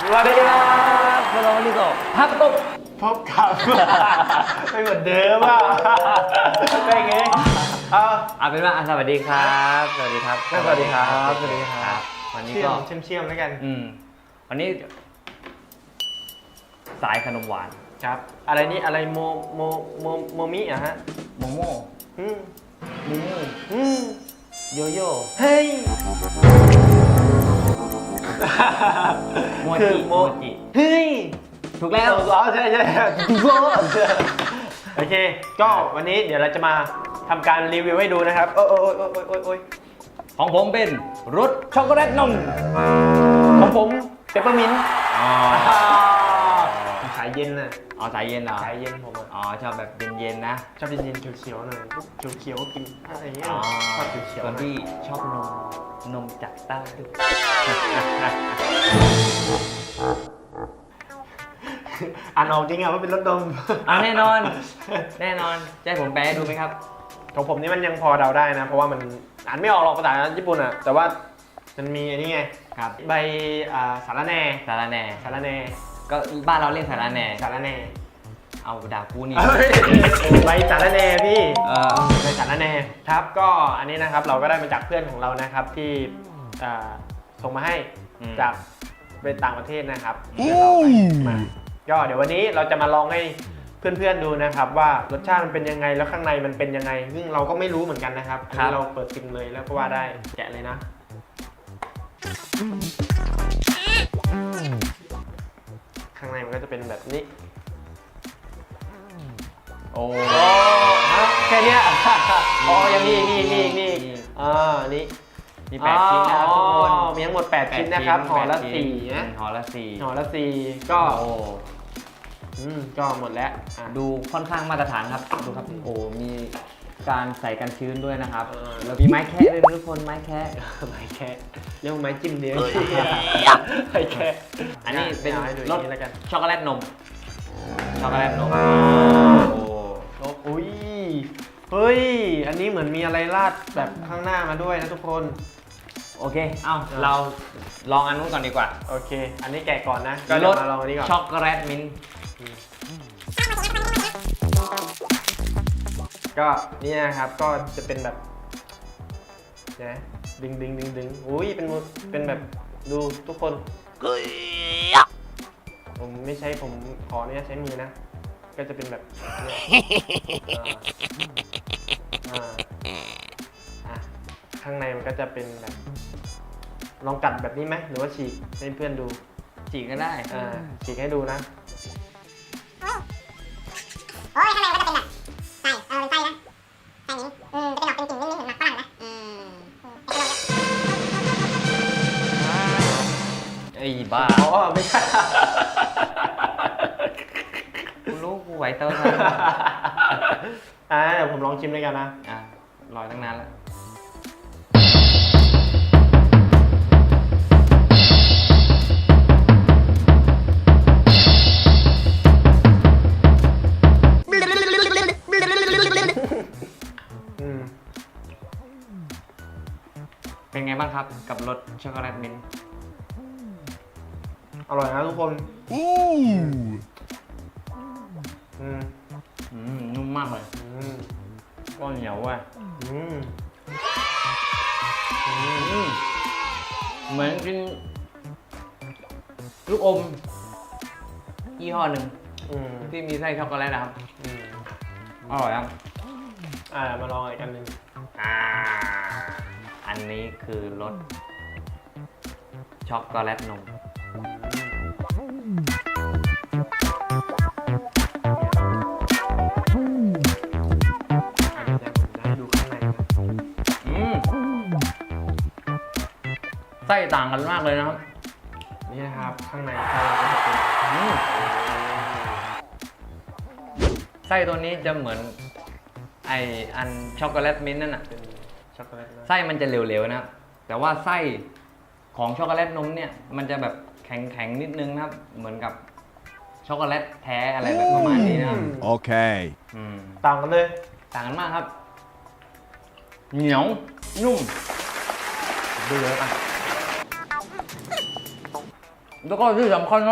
สวัสดีครับพวกเราวันนี้ก็พักตุ๊กพบกับไม่เหมือนเดิมอ่ะเป็นไงเอาเป็นว่าสวัสดีครับสวัสดีครับสวัสดีครับสวัสดีครับวันนี้ก็เชื่อมแล้วกันวันนี้สายขนมหวานครับอะไรนี่อะไรโมมิอะฮะโมโม่มูมูโยโย่เฮ้ยโมจิเฮ้ยถูกแล้วใช่โอเคก็วันนี้เดี๋ยวเราจะมาทำการรีวิวให้ดูนะครับโอ้ยของผมเป็นรสช็อกโกแลตนมของผมเปปเปอร์มินต์สายเย็นน่ะสายเย็นเหรอสายเย็นผมชอบแบบเย็นๆนะชอบเย็นๆเขียวๆหน่อยเขียวๆกินอะไรอย่างเงี้ยชอบเขียวๆส่วนที่ชอบนมจากใต้อ่านออกจริงอ่ะว่าเป็นรสนมแน่นอนจะให้ผมแปลดูไหมครับของผมนี่มันยังพอเดาได้นะเพราะว่ามันอ่านไม่ออกหรอกภาษาญี่ปุ่นอ่ะแต่ว่ามันมีอันนี้ไงครับใบสาระแหน่ก็บ้านเราเรียกสาระแหน่เอาด่ากูนี่ใบสาระแหน่พี่ใบสาระแหน่ครับก็อันนี้นะครับเราก็ได้มาจากเพื่อนของเรานะครับที่ส่งมาให้จากเป็นต่างประเทศนะครับเราไปมาก็เดี๋ยววันนี้เราจะมาลองให้เพื่อนๆดูนะครับว่ารสชาติมันเป็นยังไงแล้วข้างในมันเป็นยังไงซึ่งเราก็ไม่รู้เหมือนกันนะครับอันนี้เราเปิดซิมเลยแล้วก็ว่าได้แกะเลยนะข้างในมันก็จะเป็นแบบนี้โอ้แค่นี้ยังมีนี่นี่มี 8 ชิ้นนะครับทุกคนมีทั้งหมด8ชิ้นนะครับห่อละ4นะห่อละ 4ก็ก็หมดแล้วดูค่อนข้างมาตรฐานครับดูครับโอ้มีการใส่กันชื้นด้วยนะครับแล้วมีไม้แคะด้วยทุกคนไม้แคะเรียกว่าไม้จิ้มเดียวไม้แคะอันนี้เป็นรสช็อกโกแลตนมอุ้ยเฮ้ยอันนี้เหมือนมีอะไรราดแบบข้างหน้ามาด้วยนะทุกคนโอเคเราลองอันนู้นก่อนดีกว่าโอเคอันนี้แกะก่อนนะก็เดี๋ยวมาลองอันนี้ก่อนช็อกโกแลตมิ้นท์ก็นี่นะครับก็จะเป็นแบบนะดึงอุ้ยเป็นแบบดูทุกคนผมไม่ใช้ผมขอเนี่ยใช้มือนะก็จะเป็นแบบข้างในมันก็จะเป็นแบบลองกัดแบบนี้ไหมหรือว่าฉีกให้เพื่อนดูฉีกก็ได้ฉีกให้ดูนะโอ้ยข้างในมันก็จะเป็นแบบไส้เป็นไส้นะไส้นี้จะเป็นออกเป็นกลิ่นนิดๆเหมือนหมักฝรั่งนะไอ้บ้าไม่ใช่กูรู้กูไหวเตอร์เดี๋ยวผมลองชิมด้วยกันนะรอตั้งนานแล้วเป็นไงบ้างครับกับรสช็อกโกแลตมิ้นท์อร่อยนะทุกคนนุ่มมากเลยก็เหนียวว่ะเหมือนกินลูกอมยี่ห้อหนึ่งที่มีไส้ช็อกโกแลตนะครับอร่อยครับมาลองอีกอันหนึ่งอันนี้คือรสช็อกโกแลตนมไส้ต่างกันมากเลยนะครับนี่นะครับข้างในไส้ก็จะเป็นไส้ตัวนี้จะเหมือนอันช็อกโกแลตมิ้นท์นั่นน่ะไส้มันจะเหลวๆนะครับแต่ว่าไส้ของช็อกโกแลตนมเนี่ยมันจะแบบแข็งๆนิดนึงนะครับเหมือนกับช็อกโกแลตแท้อะไรแบบประมาณนี้นะครับโอเคต่างกันเลยต่างกันมากครับเหนียวนุ่มดูเลยป่ะแล้วก็ที่สำคัญนะ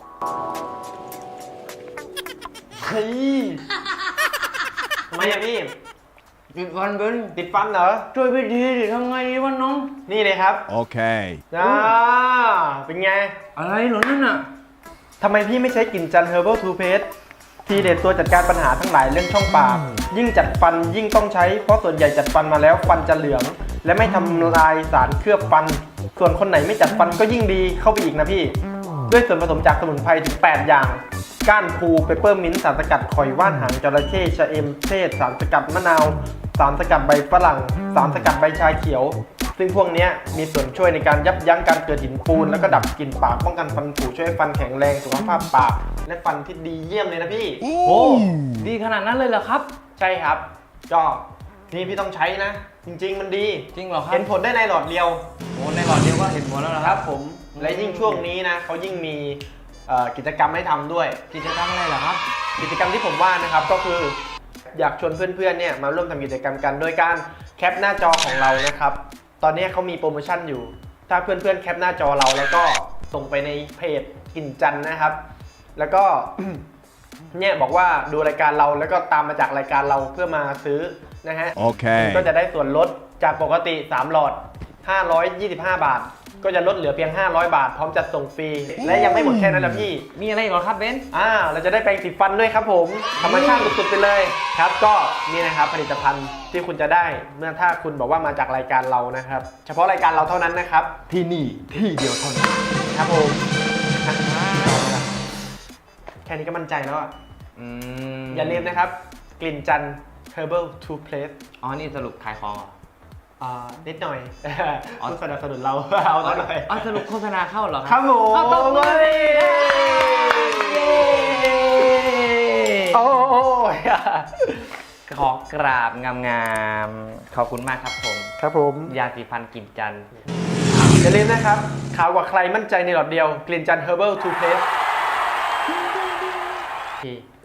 เฮ้ยทำไมอะพี่ติดฟันเป็นติดฟันเหรอช่วยพี่ทีดิทำไงดีวะน้องนี่เลยครับ Okay. เป็นไงอะไรเหรอนั่นน่ะทำไมพี่ไม่ใช้กลิ่นจัน Herbal Toothpaste ทีเด็ดตัวจัดการปัญหาทั้งหลายเรื่องช่องปาก ยิ่งจัดฟันยิ่งต้องใช้เพราะส่วนใหญ่จัดฟันมาแล้วฟันจะเหลือง และไม่ทำลายสารเคลือบฟัน ส่วนคนไหนไม่จัดฟันก็ยิ่งดีเข้าไปอีกนะพี่ ด้วยส่วนผสมจากสมุนไพรถึง 8 อย่าง ก้านพูเปเปอร์มินต์สารสกัดข่อยว่านหางจระเข้ชะเอมเทศสารสกัดมะนาวสารสกัดใบฝรั่งสารสกัดใบชาเขียว ซึ่งพวกเนี้ยมีส่วนช่วยในการยับยั้งการเกิดหินปูนแล้วก็ดับกลิ่นปากป้องกันฟันผุช่วยให้ฟันแข็งแรงสุขภาพปากและฟันที่ดีเยี่ยมเลยนะพี่โอ้ดีขนาดนั้นเลยเหรอครับใช่ครับก็นี่พี่ต้องใช้นะ จริงๆมันดีจริงเหรอครับเห็นผลได้ในหลอดเดียวโอ้ในหลอดเดียวก็เห็นผลแล้วเหรอคครัรับบ ผมและยิ่งช่วงนี้นะเขายิ่งมีกิจกรรมให้ทำด้วยกิจกรรมอะไรเหรอครับกิจกรรมที่ผมว่านะครับก็คืออยากชวนเพื่อนๆเนี่ยมาร่วมทำกิจกรรมกันโดยการแคปหน้าจอของเรานะครับตอนนี้เขามีโปรโมชั่นอยู่ ถ้าเพื่อนๆแคปหน้าจอเราแล้วก็ส่งไปในเพจกลิ่นจันทร์นะครับ แล้วก็ เนี่ยบอกว่าดูรายการเราแล้วก็ตามมาจากรายการเราเพื่อมาซื้อนะฮะ Okay. ก็จะได้ส่วนลดจากปกติ3หลอด525 บาท ก็จะลดเหลือเพียง500 บาท พร้อมจัดส่งฟรีและยังไม่หมดแค่นั้นนะพี่มีอะไรอีกเหรอครับเบนซ์เราจะได้แปรงสีฟันด้วยครับผมธรรมชาติสุดๆไปเลยครับก็นี่นะครับผลิตภัณฑ์ที่คุณจะได้เมื่อถ้าคุณบอกว่ามาจากรายการเรานะครับ เฉพาะรายการเราเท่านั้นนะครับ ที่นี่ที่เดียวเท่านั้นครับผมแค่นี้ก็มั่นใจแล้วอย่าลืมนะครับกลิ่นจัน Herbal Toothpaste อ๋อนี่สรุปขายของเหรอนิดหน่อยอ๋อคุณสนับสนุนเรา เอาซะหน่อยอ๋อสรุปโฆษณาเข้าเหรอครับผมเอาตบมือดิเย้โอ้ยขอกราบงามๆขอบคุณมากครับผมครับผมยาสีฟันกลิ่นจันทร์อย่าลืมนะครับขาวกว่าใครมั่นใจในหลอดเดียวกลิ่นจัน Herbal Toothpaste ที่